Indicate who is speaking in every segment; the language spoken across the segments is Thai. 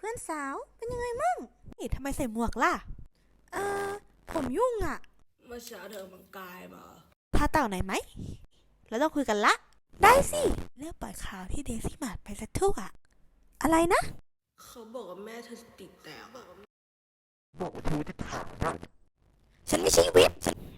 Speaker 1: พื่อนสาวเป็นยังไงมั่งนี่ทำไมใส่หมวกล่ะเออผมยุ่งอ่ะ
Speaker 2: เมื่อเช้าเธอมังกายมา
Speaker 1: พาเต่าไหนไหมแล้วต้องคุยกันละได้สิเลิกปล่อยข่าวที่เดซี่มาดไปซะทั่วอะไรนะ
Speaker 2: เขาบอกว่าแม่เธอสติแตกอะ
Speaker 1: ฉันไม่ใช่วิป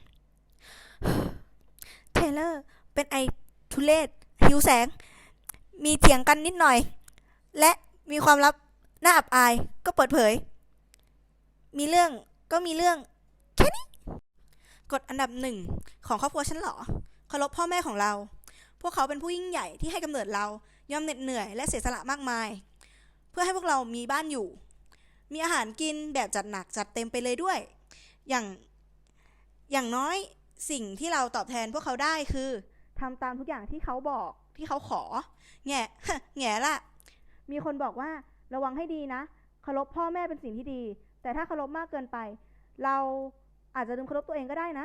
Speaker 1: เทเลอร์เป็นไอทุเลศหิวแสงมีเถียงกันนิดหน่อยและมีความลับน่าอับอายก็เปิดเผยมีเรื่องก็มีเรื่องแค่นี้กฎอันดับหนึ่งของครอบครัวฉันเหรอเคารพพ่อแม่ของเราพวกเขาเป็นผู้ยิ่งใหญ่ที่ให้กำเนิดเรายอมเหน็ดเหนื่อยและเสียสละมากมายเพื่อให้พวกเรามีบ้านอยู่มีอาหารกินแบบจัดหนักจัดเต็มไปเลยด้วยอย่างอย่างน้อยสิ่งที่เราตอบแทนพวกเขาได้คือทำตามทุกอย่างที่เขาบอกที่เขาขอแง่ แง่ละมีคนบอกว่าระวังให้ดีนะเคารพพ่อแม่เป็นสิ่งที่ดีแต่ถ้าเคารพมากเกินไปเราอาจจะลืมเคารพตัวเองก็ได้นะ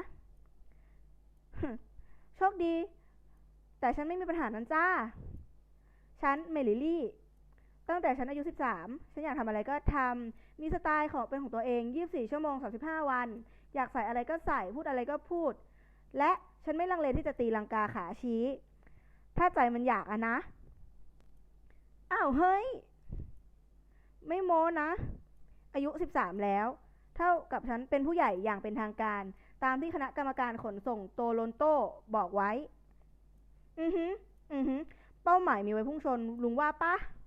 Speaker 1: โชคดีแต่ฉันไม่มีปัญหานั้นจ้าฉันเมลิลี่ตั้งแต่ฉันอายุ13ฉันอยากทำอะไรก็ทำมีสไตล์ของเป็นของตัวเอง24ชั่วโมง35วันอยากใส่อะไรก็ใส่พูดอะไรก็พูดและฉันไม่ลังเลที่จะตีลังกาขาชี้ถ้าใจมันอยากอะนะอ้าวเฮ้ยไม่โม้นะอายุ13แล้วเท่ากับฉันเป็นผู้ใหญ่อย่างเป็นทางการตามที่คณะกรรมการขนส่งโตโรนโตบอกไว้อือฮึเป้าหมายมีไว้พุ่งชนลุงว่าปะ